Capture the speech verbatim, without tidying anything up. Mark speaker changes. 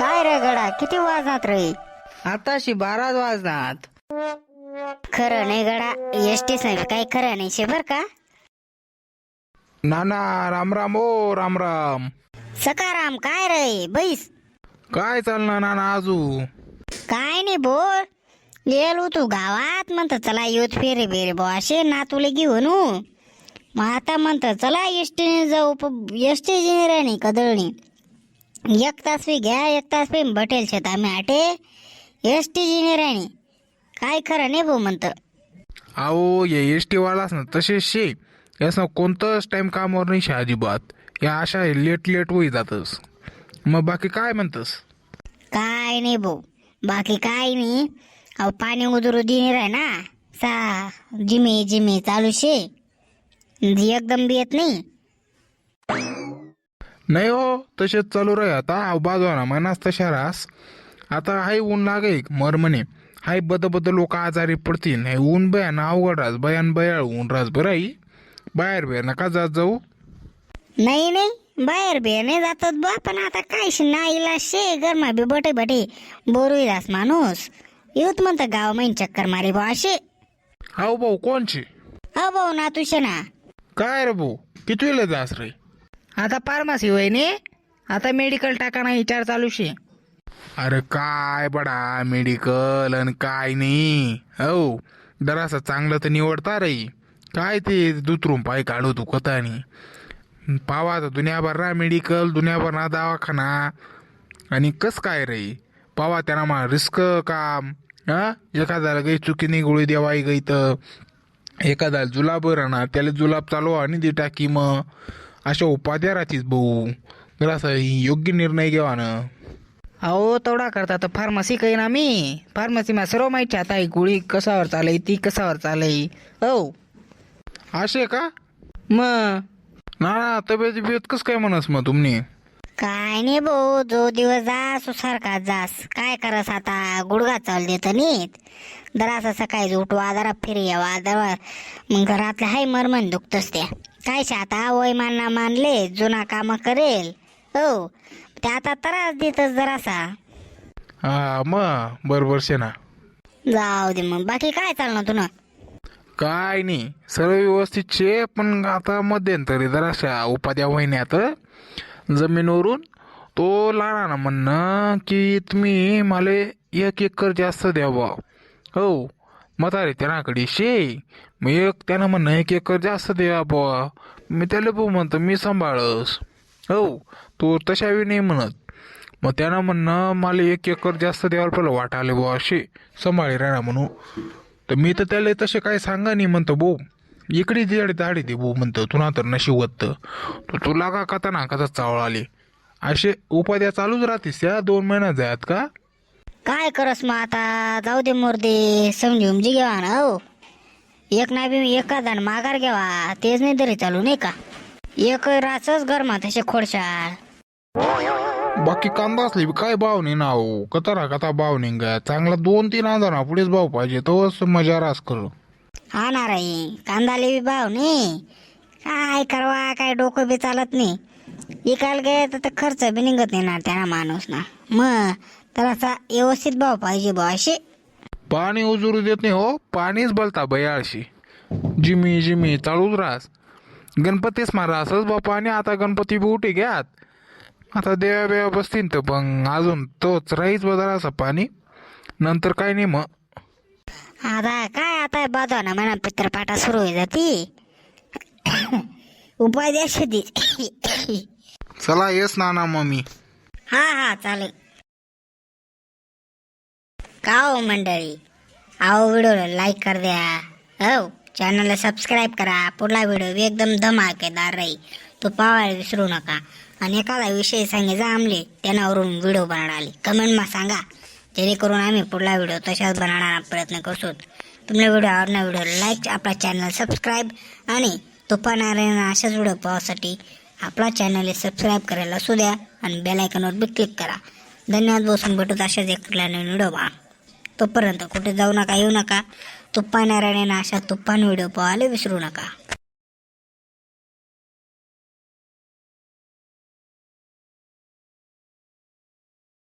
Speaker 1: काय रे गडा, किती वाजनात रे?
Speaker 2: आताशी बाराच वाजनात.
Speaker 1: खरं नाही गडा, एसटीच नाही काय खरं नाही शे बर का.
Speaker 3: नाना राम राम ओ राम राम.
Speaker 1: सकाराम काय रे बैस.
Speaker 3: काय चालणार नाना आजू?
Speaker 1: काय नाही बोल, गेलो तू गावात म्हणत चला येऊत फेरे बेरे बो असे नातूले घेऊन. मग आता म्हणत चला एसटीने जाऊ, एसटी नाही कदळणी. एक तास बी घ्या, एक तास बी बटेल शेत आम्ही आटे एसटी जिनेराणी. काय खरं नाही भाऊ म्हणत.
Speaker 3: अहो ये एस टी वालाच ना तसेच शे, यासं कोणतंच टाइम कामावर नाही शे अजिबात. या अशा लेट लेट होई जातस. मग बाकी काय म्हणतस?
Speaker 1: काय नाही भाऊ, बाकी काय नाही. अहो पाणी उदरू दिनेर आहे ना, सा जिमे जिमे चालू शे, एकदम बी येत नाही.
Speaker 3: नाही हो, तसेच चालू राही आता. बाजू ना मनास तशा रास. आता हाय ऊन लागे मर म्हणे, हाय बद बद लोक आजारी पडतील. हे ऊन बयान अवघड रास, बयान बयाळ ऊन रास बराई. बाहेर बाहेर नका जात जाऊ.
Speaker 1: नाही नाही बाहेर बे नाही जातात बा, पण आता काय शे नाईला शे गरमा बी बटे बटे बोरू रास माणूस. येऊत म्हणत गाव महिन चक्कर मारे बा असे.
Speaker 3: हाव भाऊ कोणचे?
Speaker 1: हा भाऊ ना तुझे ना.
Speaker 3: काय रे भाऊ, किती वेळ जास रे?
Speaker 2: आता फार्मसी होय ने, आता मेडिकल टाकाना विचार चालू शे.
Speaker 3: अरे काय बडा मेडिकल आणि काय नाही. हो जरासं चांगलं तर निवडता रे. काय ते दुतरून पाय काढू तू कथानी. पावा तर दुनियाभर ना मेडिकल, दुनियाभर ना दवाखाना. आणि कस काय रे पावा त्यांना मा रिस्क काम. हा एखाद्याला काही चुकीने गोळी देवाई गई तर एखाद्याला जुलाब राहणार, त्याला जुलाब चालू आणि दी टाकी. मग अशा उपाध्या राहतीस भाऊ. जरासं योग्य निर्णय घ्यावा ना.
Speaker 2: अहो तेवढा करता तर फार्मसी काही ना मी. फार्मसीमा सर्व माहिती आता ही गोळी कशावर चालय, ती कशावर चालय. हो
Speaker 3: असे का?
Speaker 2: मग
Speaker 3: ना ना तब्येत बिब्येत कस काय म्हणस मग तुम्ही?
Speaker 1: काय नाही भाऊ, जो दिवस जास सारखा जास. काय करस आता, गुडघा चाल देत नीट. जरा सकाळी उठवा, जरा फिरी यावा, जरा मग घरातलं हाय मरमन दुखतच त्या. काय शे आता वय मानना मानले, जुना काम करेल. हो ते आता त्रास देतच जरासा.
Speaker 3: हा मग बरोबर शे ना.
Speaker 1: जाऊ दे मग, बाकी काय चालणार तुला?
Speaker 3: काय नाही, सर्व व्यवस्थित शे. पण आता मध्यंतरी जराशा उपाध्या महिन्यात जमिनीवरून तो लहाना ना म्हणणं की तुम्ही मला एक एकर जास्त द्यावा. हो म्हातारे त्यानाकडे शे. मग एक त्यानं म्हणणं एक एकर जास्त द्या बुवा. मी त्याला भाऊ म्हणतो मी सांभाळस. हो तो तशावी नाही म्हणत. मग त्यानं म्हणणं मला एक एकर जास्त द्यायला पहिलं वाटाले बुवा असे सांभाळे राहणार म्हणून. तर मी तर त्याला तसे काय सांगा नाही म्हणतो भाऊ. इकडे दिवाळी दाढी दे भाऊ म्हणतो, तुला तर नशिवत तर तुला का कथा ना कथा चावळ आले. असे उपाध्या चालूच राहतीस या दोन महिन्यात जायत का?
Speaker 1: काय करस मग आता, जाऊ दे मोरदे, समजी उमजी घेवा ना. हो एक नाही बी एखादा माघार घ्यावा, तेच नाही तरी चालू नाही का. एक राचच घरमा तसे खोडशाळ.
Speaker 3: बाकी कांदा असली काय भाव नाही ना हो, कतारा कथा भाव नाही गा. चांगला दोन तीन हजार ना पुढेच भाव पाहिजे, तोच मजा रास कर.
Speaker 1: हा ना राई, कांदाले बी भाव नाही. काय करवा, काय डोकं बी चालत नाही. विकायला गे तर खर्च बी निघत नाही ना त्यांना माणूस ना. मग तर असा व्यवस्थित भाव पाहिजे बा असे.
Speaker 3: पाणी उजरू देत नाही हो, पाणीच बोलता बयाळशी. जिमी जिमी चालूच रास. गणपतीच मारा असंच बा पाणी. आता गणपती बी उठे घ्यात, आता देवा बेवा बसतील तर पण अजून तोच राहीच बदला असं पाणी. नंतर काय नाही मग.
Speaker 1: आता काय आता बाजू ना म्हणा पित्रपाटा सुरू होई जाती. उपाय द्या शेती.
Speaker 3: चला येस नाना मम्मी.
Speaker 1: हा हा चालेल. का हो मंडळी, आओ व्हिडिओला लाईक कर द्या. हो चॅनलला सबस्क्राईब करा. पुढला व्हिडिओ एकदम धमाकेदार राहील, तो पाहायला विसरू नका. आणि एखादा विषय सांगायचा आमले त्याच्यावरून व्हिडिओ बनवणारे कमेंटमा सांगा, जेणेकरून आम्ही पुढला व्हिडिओ तशाच बनवण्याचा प्रयत्न करतो. तुम्हाला व्हिडिओ आवडणार व्हिडिओ लाईक, आपला चॅनल सबस्क्राईब आणि तुपानारायण अशाच व्हिडिओ पाहण्यासाठी आपला चॅनल सबस्क्राईब करायला असू द्या आणि बेल आयकॉनवर बी क्लिक करा. धन्यवाद. बसून भेटूत अशाच एक व्हिडिओ पहा. तोपर्यंत कुठे जाऊ नका, येऊ नका. तुप्पा नारायण अशा तुप्पान व्हिडिओ पाहायला विसरू नका.